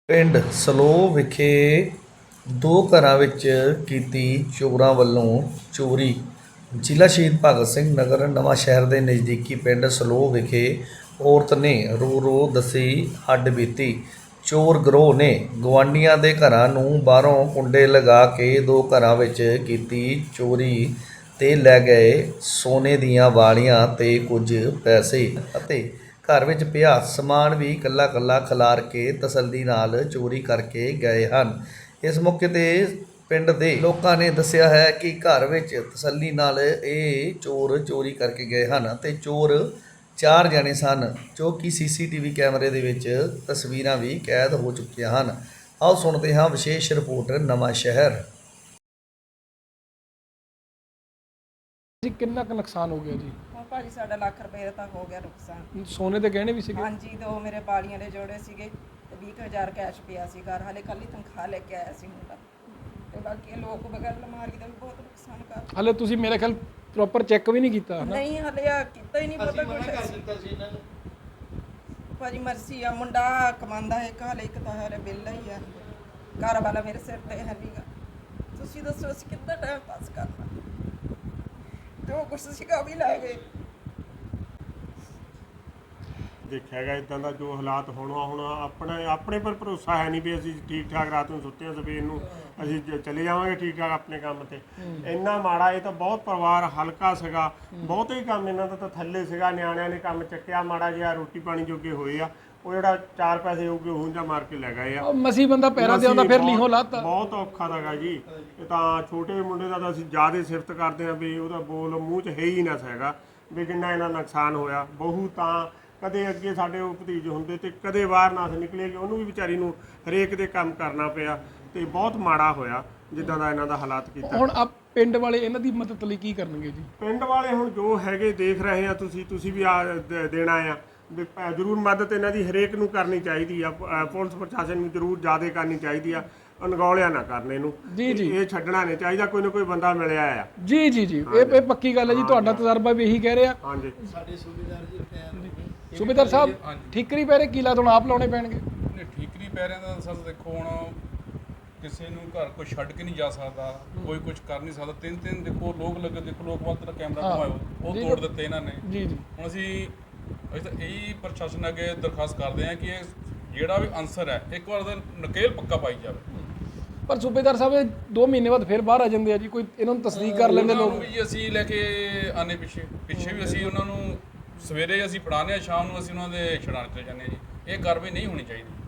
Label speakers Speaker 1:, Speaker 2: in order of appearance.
Speaker 1: ਪਿੰਡ ਸਲੋਹ ਵਿਖੇ ਦੋ ਘਰਾਂ ਵਿੱਚ ਕੀਤੀ ਚੋਰਾਂ ਵੱਲੋਂ ਚੋਰੀ। ਜ਼ਿਲ੍ਹਾ ਸ਼ਹੀਦ ਭਗਤ ਸਿੰਘ ਨਗਰ ਨਵਾਂ ਸ਼ਹਿਰ ਦੇ ਨਜ਼ਦੀਕੀ ਪਿੰਡ ਸਲੋਹ ਵਿਖੇ ਔਰਤ ਨੇ ਰੋ ਰੋ ਦੱਸੀ ਹੱਡਬੀਤੀ। ਚੋਰ ਗਰੋਹ ਨੇ ਗੁਆਂਢੀਆਂ ਦੇ ਘਰਾਂ ਨੂੰ ਬਾਹਰੋਂ ਕੁੰਡੇ ਲਗਾ ਕੇ ਦੋ ਘਰਾਂ ਵਿੱਚ ਕੀਤੀ ਚੋਰੀ ਤੇ ਲੈ ਗਏ ਸੋਨੇ ਦੀਆਂ ਵਾਲੀਆਂ ਤੇ ਕੁਝ ਪੈਸੇ ਅਤੇ ਘਰ ਵਿੱਚ ਪਿਆ ਸਮਾਨ ਵੀ ਕੱਲਾ ਕੱਲਾ ਖਿਲਾਰ ਕੇ ਤਸੱਲੀ ਨਾਲ ਚੋਰੀ ਕਰਕੇ ਗਏ ਹਨ। ਇਸ ਮੌਕੇ ਤੇ ਪਿੰਡ ਦੇ ਲੋਕਾਂ ਨੇ ਦੱਸਿਆ ਹੈ ਕਿ ਘਰ ਵਿੱਚ ਤਸੱਲੀ ਨਾਲ ਇਹ ਚੋਰ ਚੋਰੀ ਕਰਕੇ ਗਏ ਹਨ ਅਤੇ ਚੋਰ 4 ਜਣੇ ਸਨ, ਜੋ ਕਿ ਸੀਸੀਟੀਵੀ ਕੈਮਰੇ ਦੇ ਵਿੱਚ ਤਸਵੀਰਾਂ ਵੀ ਕੈਦ ਹੋ ਚੁੱਕੀਆਂ ਹਨ। ਆਓ ਸੁਣਦੇ ਹਾਂ ਵਿਸ਼ੇਸ਼ ਰਿਪੋਰਟ ਨਵਾਂ ਸ਼ਹਿਰ।
Speaker 2: ਜੀ ਕਿੰਨਾ ਕੁ ਨੁਕਸਾਨ ਹੋ ਗਿਆ ਜੀ?
Speaker 3: ਹਾਂ ਭਾਜੀ ਸਾਡਾ ਲੱਖ ਰੁਪਏ ਦਾ ਹੋ ਗਿਆ ਨੁਕਸਾਨ।
Speaker 2: ਸੋਨੇ ਦੇ ਗਹਿਣੇ ਵੀ ਸੀਗੇ?
Speaker 3: ਹਾਂਜੀ, ਦੋ ਮੇਰੇ ਬਾਲੀਆਂ ਦੇ ਜੋੜੇ ਸੀਗੇ ਤੇ 20,000 ਕੈਸ਼ ਪਿਆ ਸੀ ਘਰ। ਹਾਲੇ ਕੱਲ ਹੀ ਤਨਖਾਹ ਲੈ ਕੇ ਆਇਆ ਸੀ ਮੁੰਡਾ ਤੇ ਬਾਕੀ ਲੋਕ ਬਗੈਰ ਅਲਮਾਰੀ ਦਾ ਵੀ ਬਹੁਤ ਨੁਕਸਾਨ ਕਰ।
Speaker 2: ਹਾਲੇ ਤੁਸੀਂ ਮੇਰੇ ਖਿਆਲ ਪ੍ਰੋਪਰ ਚੈੱਕ ਵੀ ਨਹੀਂ ਕੀਤਾ ਹਨਾ?
Speaker 3: ਨਹੀਂ ਹਾਲੇ ਆ ਕੀਤਾ ਹੀ ਨਹੀਂ ਪਤਾ ਕੁਝ। ਭਾਜੀ ਮਰਜ਼ੀ ਆ, ਮੁੰਡਾ ਕਮਾਉਂਦਾ ਹੈ ਹਾਲੇ, ਇੱਕ ਤਾਂ ਹਾਲੇ ਬਿੱਲ ਹੀ ਆ, ਘਰ ਵਾਲਾ ਮੇਰੇ ਸਿਰ ਤੇ ਹੈ ਨਹੀਂਗਾ। ਤੁਸੀਂ ਦੱਸੋ ਅਸੀਂ ਕਿੱਦਾਂ ਟਾਈਮ ਪਾਸ ਕਰਨਾ? ਜੋ ਕੁਛ ਸੀਗਾ ਵੀ ਲੈ ਗਏ।
Speaker 4: ਦੇਖਿਆ ਗਿਆ ਇੱਦਾਂ ਦਾ ਜੋ ਹਾਲਾਤ ਹੁਣ ਆਪਣੇ ਪਰ ਭਰੋਸਾ ਹੈ ਨਹੀਂ ਵੀ ਅਸੀਂ ਠੀਕ ਠਾਕ ਰਾਤ ਨੂੰ ਸੁੱਤੇ ਹਾਂ, ਸਵੇਰ ਨੂੰ ਅਸੀਂ ਚਲੇ ਜਾਵਾਂਗੇ ਠੀਕ ਠਾਕ ਆਪਣੇ ਕੰਮ ਤੇ। ਇੰਨਾ ਮਾੜਾ, ਇਹ ਤਾਂ ਬਹੁਤ ਪਰਿਵਾਰ ਹਲਕਾ ਸੀਗਾ, ਬਹੁਤੇ ਹੀ ਕੰਮ ਇਹਨਾਂ ਦਾ ਤਾਂ ਥੱਲੇ ਸੀਗਾ। ਨਿਆਣਿਆਂ ਨੇ ਕੰਮ ਚੱਕਿਆ, ਮਾੜਾ ਜਿਹਾ ਰੋਟੀ ਪਾਣੀ ਜੋਗੇ ਹੋਏ ਆ, ਉਹ ਜਿਹੜਾ 4 ਪੈਸੇ ਹੋਊਗੇ ਉਹ ਜਾਂ ਮਾਰ ਕੇ ਲੈ ਗਏ ਆ।
Speaker 2: ਮਸੀਂ ਬੰਦਾ ਪੈਰਾਂ ਤੇ ਆਉਂਦਾ ਫਿਰ ਲੀਹੋਂ ਲਾਤਾ।
Speaker 4: ਬਹੁਤ ਔਖਾ ਹੈਗਾ ਜੀ। ਇਹ ਤਾਂ ਛੋਟੇ ਮੁੰਡੇ ਦਾ ਤਾਂ ਅਸੀਂ ਜ਼ਿਆਦਾ ਸਿਫਤ ਕਰਦੇ ਹਾਂ ਵੀ ਉਹਦਾ ਬੋਲ ਮੂੰਹ 'ਚ ਹੈ ਹੀ ਨਾ ਸੀਗਾ ਵੀ ਜਿੰਨਾ ਇਹਨਾਂ ਨੁਕਸਾਨ ਹੋਇਆ। ਬਹੂ ਤਾਂ ਕਦੇ ਅੱਗੇ ਸਾਡੇ ਉਹ ਭਤੀਜ ਹੁੰਦੇ ਤੇ ਕਦੇ ਬਾਹਰ ਨਾ ਨਿਕਲੇਗੀ, ਉਹਨੂੰ ਵੀ ਵਿਚਾਰੀ ਨੂੰ ਹਰੇਕ ਦੇ ਕੰਮ ਕਰਨਾ ਪਿਆ ਤੇ ਬਹੁਤ ਮਾੜਾ ਹੋਇਆ ਜਿੱਦਾਂ ਦਾ ਇਹਨਾਂ ਦਾ ਹਾਲਾਤ ਕੀਤਾ।
Speaker 2: ਹੁਣ ਆ ਪਿੰਡ ਵਾਲੇ ਇਹਨਾਂ ਦੀ ਮਦਦ ਲਈ ਕੀ ਕਰਨਗੇ ਜੀ?
Speaker 4: ਪਿੰਡ ਵਾਲੇ ਹੁਣ ਜੋ ਹੈਗੇ ਦੇਖ ਰਹੇ ਆ, ਤੁਸੀਂ ਵੀ ਦੇਣਾ ਆ ਵੀ ਜ਼ਰੂਰ ਮਦਦ ਇਹਨਾਂ ਦੀ ਹਰੇਕ ਨੂੰ ਕਰਨੀ ਚਾਹੀਦੀ ਆ। ਪੁਲਿਸ ਪ੍ਰਸ਼ਾਸਨ ਨੂੰ ਜ਼ਰੂਰ ਜ਼ਿਆਦਾ ਕਰਨੀ ਚਾਹੀਦੀ ਆ, ਅਣਗੌਲਿਆ ਨਾ ਕਰਨ ਇਹਨੂੰ।
Speaker 2: ਜੀ ਜੀ,
Speaker 4: ਇਹ ਛੱਡਣਾ ਨਹੀਂ ਚਾਹੀਦਾ, ਕੋਈ ਨਾ ਕੋਈ ਬੰਦਾ ਮਿਲਿਆ ਆ।
Speaker 2: ਜੀ ਜੀ ਜੀ, ਇਹ ਪੱਕੀ ਗੱਲ ਹੈ ਜੀ। ਤੁਹਾਡਾ ਤਜਰਬਾ ਵੀ ਇਹੀ ਕਹਿ ਰਿਹਾ।
Speaker 4: ਹਾਂਜੀ,
Speaker 5: ਸਾਡੇ ਸੂਬੇਦਾਰ ਜੀ
Speaker 2: ਸੂਬੇਦਾਰ ਸਾਹਿਬ ਠੀਕਰੀ ਪੈਰੇ ਕੀ ਲਾ ਹੁਣ ਆਪ ਲਾਉਣੇ ਪੈਣਗੇ?
Speaker 6: ਨਹੀਂ, ਠੀਕਰੀ ਪੈਰਿਆਂ ਦਾ ਸਰ ਦੇਖੋ, ਹੁਣ ਕਿਸੇ ਨੂੰ ਘਰ ਕੋਈ ਛੱਡ ਕੇ ਨਹੀਂ ਜਾ ਸਕਦਾ, ਕੋਈ ਕੁਝ ਕਰ ਨਹੀਂ ਸਕਦਾ। ਤਿੰਨ ਦੇਖੋ ਲੋਕ ਲੱਗੇ, ਦੇਖੋ ਲੋਕ ਵੱਲ ਤੇਰਾ ਕੈਮਰਾ ਘੁਮਾਇਓ, ਉਹ ਤੋੜ ਦਿੱਤੇ ਇਹਨਾਂ ਨੇ। ਜੀ ਜੀ, ਹੁਣ ਅਸੀਂ ਤਾਂ ਇਹੀ ਪ੍ਰਸ਼ਾਸਨ ਅੱਗੇ ਦਰਖਾਸਤ ਕਰਦੇ ਹਾਂ ਕਿ ਇਹ ਜਿਹੜਾ ਵੀ ਅਨਸਰ ਹੈ ਇੱਕ ਵਾਰ ਦਾ ਨਕੇਲ ਪੱਕਾ ਪਾਈ ਜਾਵੇ।
Speaker 2: ਪਰ ਸੂਬੇਦਾਰ ਸਾਹਿਬ ਇਹ 2 ਮਹੀਨੇ ਬਾਅਦ ਫਿਰ ਬਾਹਰ ਆ ਜਾਂਦੇ ਆ ਜੀ, ਕੋਈ ਇਹਨਾਂ ਨੂੰ ਤਸਦੀਕ ਕਰ ਲੈਂਦੇ ਲੋਕ
Speaker 6: ਵੀ। ਅਸੀਂ ਲੈ ਕੇ ਆਨੇ ਪਿੱਛੇ ਵੀ ਅਸੀਂ ਉਹਨਾਂ ਨੂੰ ਸਵੇਰੇ ਅਸੀਂ ਫੜਾਉਂਦੇ ਹਾਂ, ਸ਼ਾਮ ਨੂੰ ਅਸੀਂ ਉਹਨਾਂ ਦੇ ਛਡਾਉਣ ਚਲੇ ਜਾਂਦੇ ਹਾਂ ਜੀ। ਇਹ ਕਾਰਵਾਈ ਨਹੀਂ ਹੋਣੀ ਚਾਹੀਦੀ।